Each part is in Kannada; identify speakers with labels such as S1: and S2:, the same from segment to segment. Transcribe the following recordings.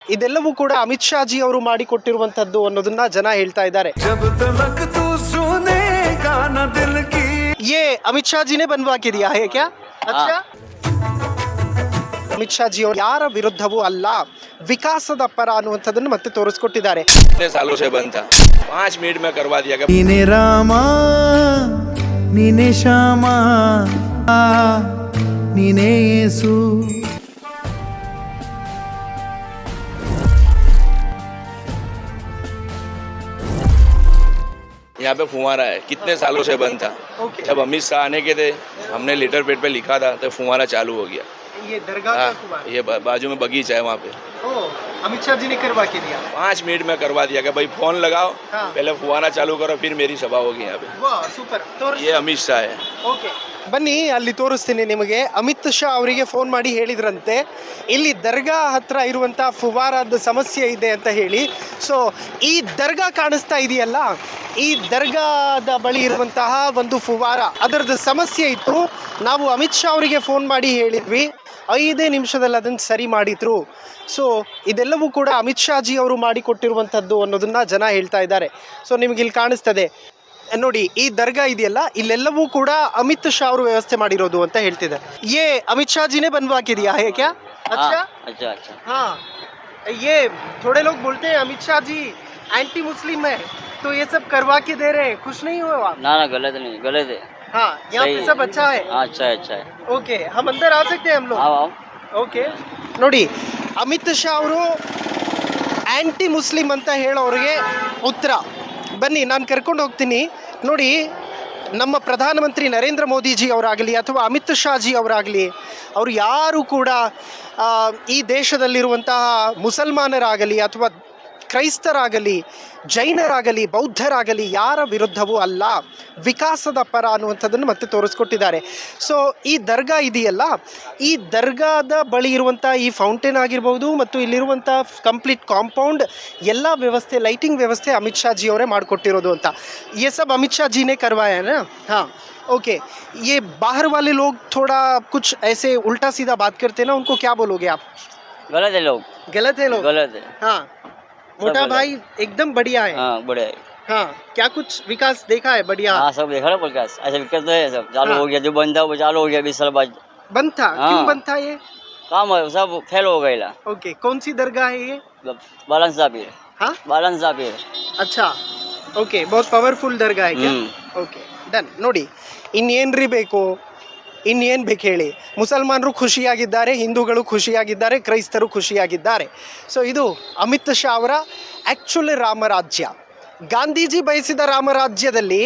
S1: ಇದೆಲ್ಲವೂ ಕೂಡ ಅಮಿತ್ ಶಾ ಜಿ ಅವರು ಮಾಡಿಕೊಟ್ಟಿರುವಂತದ್ದು ಅನ್ನೋದನ್ನ ಜನ ಹೇಳ್ತಾ ಇದ್ದಾರೆ. ये अमित शाह जी ने बनवा के दिया है क्या? अच्छा, ಅಮಿತ್ ಶಾ ಜಿ ಅವರು ಯಾರ ವಿರುದ್ಧವೂ ಅಲ್ಲ, ವಿಕಾಸದ ಪರ ಅನ್ನುವಂಥದ್ದನ್ನು ಮತ್ತೆ ತೋರಿಸ್ಕೊಟ್ಟಿದ್ದಾರೆ.
S2: सालों से बंद था, 5 मिनट में करवा दिया गया.
S3: ನೀನೆ ರಾಮ ನೀನೆ ಶ್ಯಾಮ ನೀನೆ ಯೇಸು.
S2: यहाँ पे फुहारा है, कितने सालों से बंद था. जब अमित शाह आने के थे, हमने लेटर पेड पे लिखा था तो फुहारा चालू हो गया.
S1: ये दरगाह का फुहारा?
S2: ये बाजू में बगीचा है वहाँ पे.
S1: अमित शाह जी ने करवा के दिया.
S2: 5 मिनट में करवा दिया गया. भाई फोन लगाओ, पहले फुहारा चालू करो, फिर मेरी सभा होगी यहाँ पे.
S1: वाह, सुपर.
S2: ये अमित शाह है.
S1: ಓಕೆ, ಬನ್ನಿ ಅಲ್ಲಿ ತೋರಿಸ್ತೀನಿ ನಿಮಗೆ. ಅಮಿತ್ ಶಾ ಅವರಿಗೆ ಫೋನ್ ಮಾಡಿ ಹೇಳಿದ್ರಂತೆ ಇಲ್ಲಿ ದರ್ಗಾ ಹತ್ರ ಇರುವಂತಹ ಫುವಾರದ ಸಮಸ್ಯೆ ಇದೆ ಅಂತ ಹೇಳಿ. ಸೊ ಈ ದರ್ಗಾ ಕಾಣಿಸ್ತಾ ಇದೆಯಲ್ಲ, ಈ ದರ್ಗಾದ ಬಳಿ ಇರುವಂತಹ ಒಂದು ಫುವಾರ, ಅದರದ್ದು ಸಮಸ್ಯೆ ಇತ್ತು. ನಾವು ಅಮಿತ್ ಶಾ ಅವರಿಗೆ ಫೋನ್ ಮಾಡಿ ಹೇಳಿದ್ವಿ, 5 ನಿಮಿಷದಲ್ಲಿ ಅದನ್ನು ಸರಿ ಮಾಡಿದ್ರು. ಸೊ ಇದೆಲ್ಲವೂ ಕೂಡ ಅಮಿತ್ ಶಾ ಜಿ ಅವರು ಮಾಡಿಕೊಟ್ಟಿರುವಂಥದ್ದು ಅನ್ನೋದನ್ನ ಜನ ಹೇಳ್ತಾ ಇದ್ದಾರೆ. ಸೊ ನಿಮಗೆ ಇಲ್ಲಿ ಕಾಣಿಸ್ತದೆ ನೋಡಿ, ಈ ದರ್ಗಾ ಇದೆಯಲ್ಲ, ಇಲ್ಲೆಲ್ಲವೂ ಕೂಡ ಅಮಿತ್ ಶಾ ಅವರು ವ್ಯವಸ್ಥೆ ಮಾಡಿರೋದು ಅಂತ ಹೇಳ್ತಿದ್ದಾರೆ. ये अमित शाह जी ने बनवा के दिया है क्या? अच्छा
S4: अच्छा अच्छा.
S1: हाँ, ये थोड़े लोग बोलते हैं अमित शाह जी एंटी मुस्लिम है, तो ये सब करवा के दे रहे हैं, खुश नहीं हो आप?
S4: ना ना, गलत नहीं, गलत है.
S1: हाँ, यहाँ पे सब अच्छा है.
S4: हाँ, अच्छा है, अच्छा है.
S1: ओके, हम अंदर आ सकते हैं हम लोग?
S4: आओ आओ.
S1: ಓಕೆ ನೋಡಿ, ಅಮಿತ್ ಶಾ ಅವರು ಆ್ಯಂಟಿ ಮುಸ್ಲಿಂ ಅಂತ ಹೇಳೋರಿಗೆ ಉತ್ತರ. ಬನ್ನಿ, ನಾನು ಕರ್ಕೊಂಡು ಹೋಗ್ತೀನಿ. ನೋಡಿ, ನಮ್ಮ ಪ್ರಧಾನಮಂತ್ರಿ ನರೇಂದ್ರ ಮೋದಿಜಿ ಅವರಾಗಲಿ ಅಥವಾ ಅಮಿತ್ ಶಾ ಜಿ ಅವರಾಗಲಿ, ಅವರು ಯಾರು ಕೂಡ ಈ ದೇಶದಲ್ಲಿರುವಂತಹ ಮುಸಲ್ಮಾನರಾಗಲಿ ಅಥವಾ ಕ್ರೈಸ್ತರಾಗಲಿ, ಜೈನರಾಗಲಿ, ಬೌದ್ಧರಾಗಲಿ ಯಾರ ವಿರುದ್ಧವೂ ಅಲ್ಲ, ವಿಕಾಸದ ಪರ ಅನ್ನುವಂಥದ್ದನ್ನು ಮತ್ತೆ ತೋರಿಸ್ಕೊಟ್ಟಿದ್ದಾರೆ. ಸೊ ಈ ದರ್ಗಾ ಇದೆಯಲ್ಲ, ಈ ದರ್ಗಾದ ಬಳಿ ಇರುವಂಥ ಈ ಫೌಂಟೇನ್ ಆಗಿರ್ಬೋದು ಮತ್ತು ಇಲ್ಲಿರುವಂಥ ಕಂಪ್ಲೀಟ್ ಕಾಂಪೌಂಡ್ ಎಲ್ಲ ವ್ಯವಸ್ಥೆ, ಲೈಟಿಂಗ್ ವ್ಯವಸ್ಥೆ ಅಮಿತ್ ಶಾ ಜಿ ಅವರೇ ಮಾಡಿಕೊಟ್ಟಿರೋದು ಅಂತ. ये सब अमित शाह जी ने करवाया है ना? हाँ, ओके. ये बाहर वाले लोग थोड़ा कुछ ऐसे उल्टा सीधा बात करते हैं ना, उनको क्या बोलोगे आप?
S4: गलत है लोग.
S1: गलत है लोग?
S4: गलत है.
S1: हाँ, मोटा भाई एकदम बढ़िया है.
S4: हाँ, बढ़िया है.
S1: हाँ, क्या कुछ विकास देखा है? बढ़िया.
S4: हाँ, सब देखा ना विकास. ऐसा विकास तो है, सब चालू हो गया. जो बंद था वो चालू हो गया. 20 साल बाद
S1: बंद था.
S4: हाँ.
S1: क्यों बंद था ये?
S4: काम है, सब फेल हो गया.
S1: ओके, कौन सी दरगाह है ये?
S4: बालन साबिर.
S1: हाँ,
S4: बालन साबिर.
S1: अच्छा, ಓಕೆ. बहुत ಪವರ್ಫುಲ್ ದರ್ಗಾ है क्या? Okay, done. ನೋಡಿ, ಇನ್ನೇನ್ರಿ ಬೇಕು, ಇನ್ನೇನು ಬೇಕು ಹೇಳಿ. ಮುಸಲ್ಮಾನರು ಖುಷಿಯಾಗಿದ್ದಾರೆ, ಹಿಂದೂಗಳು ಖುಷಿಯಾಗಿದ್ದಾರೆ, ಕ್ರೈಸ್ತರು ಖುಷಿಯಾಗಿದ್ದಾರೆ. ಸೊ ಇದು ಅಮಿತ್ ಶಾ ಅವರ ಆ್ಯಕ್ಚುಲಿ ರಾಮರಾಜ್ಯ. ಗಾಂಧೀಜಿ ಬಯಸಿದ ರಾಮರಾಜ್ಯದಲ್ಲಿ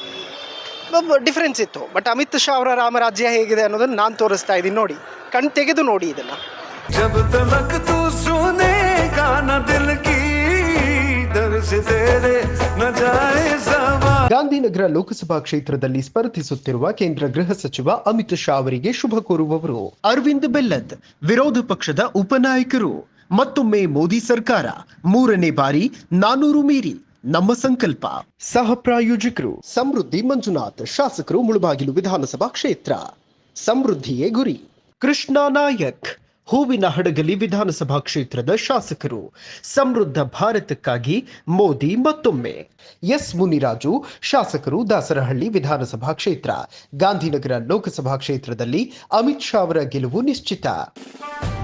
S1: ಡಿಫ್ರೆನ್ಸ್ ಇತ್ತು, ಬಟ್ ಅಮಿತ್ ಶಾ ಅವರ ರಾಮರಾಜ್ಯ ಹೇಗಿದೆ ಅನ್ನೋದನ್ನು ನಾನು ತೋರಿಸ್ತಾ ಇದ್ದೀನಿ. ನೋಡಿ, ಕಣ್ ತೆಗೆದು ನೋಡಿ ಇದನ್ನು. ಗಾಂಧಿನಗರ ಲೋಕಸಭಾ ಕ್ಷೇತ್ರದಲ್ಲಿ ಸ್ಪರ್ಧಿಸುತ್ತಿರುವ ಕೇಂದ್ರ ಗೃಹ ಸಚಿವ ಅಮಿತ್ ಶಾ ಅವರಿಗೆ ಶುಭ ಕೋರುವವರು ಅರವಿಂದ್ ಬೆಲ್ಲದ್, ವಿರೋಧ ಪಕ್ಷದ ಉಪನಾಯಕರು. ಮತ್ತೊಮ್ಮೆ ಮೋದಿ ಸರ್ಕಾರ 3ನೇ ಬಾರಿ 400 ಮೀರಿ ನಮ್ಮ ಸಂಕಲ್ಪ. ಸಹ ಪ್ರಾಯೋಜಕರು ಸಮೃದ್ಧಿ ಮಂಜುನಾಥ್, ಶಾಸಕರು ಮುಳಬಾಗಿಲು ವಿಧಾನಸಭಾ ಕ್ಷೇತ್ರ. ಸಮೃದ್ಧಿಯೇ ಗುರಿ. ಕೃಷ್ಣ ನಾಯಕ್, ಹೂವಿನ ಹಡಗಲಿ ವಿಧಾನಸಭಾ ಕ್ಷೇತ್ರದ ಶಾಸಕರು. ಸಮೃದ್ಧ ಭಾರತಕ್ಕಾಗಿ ಮೋದಿ ಮತ್ತೊಮ್ಮೆ. ಎಸ್ ಮುನಿರಾಜು, ಶಾಸಕರು, ದಾಸರಹಳ್ಳಿ ವಿಧಾನಸಭಾ ಕ್ಷೇತ್ರ. ಗಾಂಧಿನಗರ ಲೋಕಸಭಾ ಕ್ಷೇತ್ರದಲ್ಲಿ ಅಮಿತ್ ಶಾ ಅವರ ಗೆಲುವು ನಿಶ್ಚಿತ.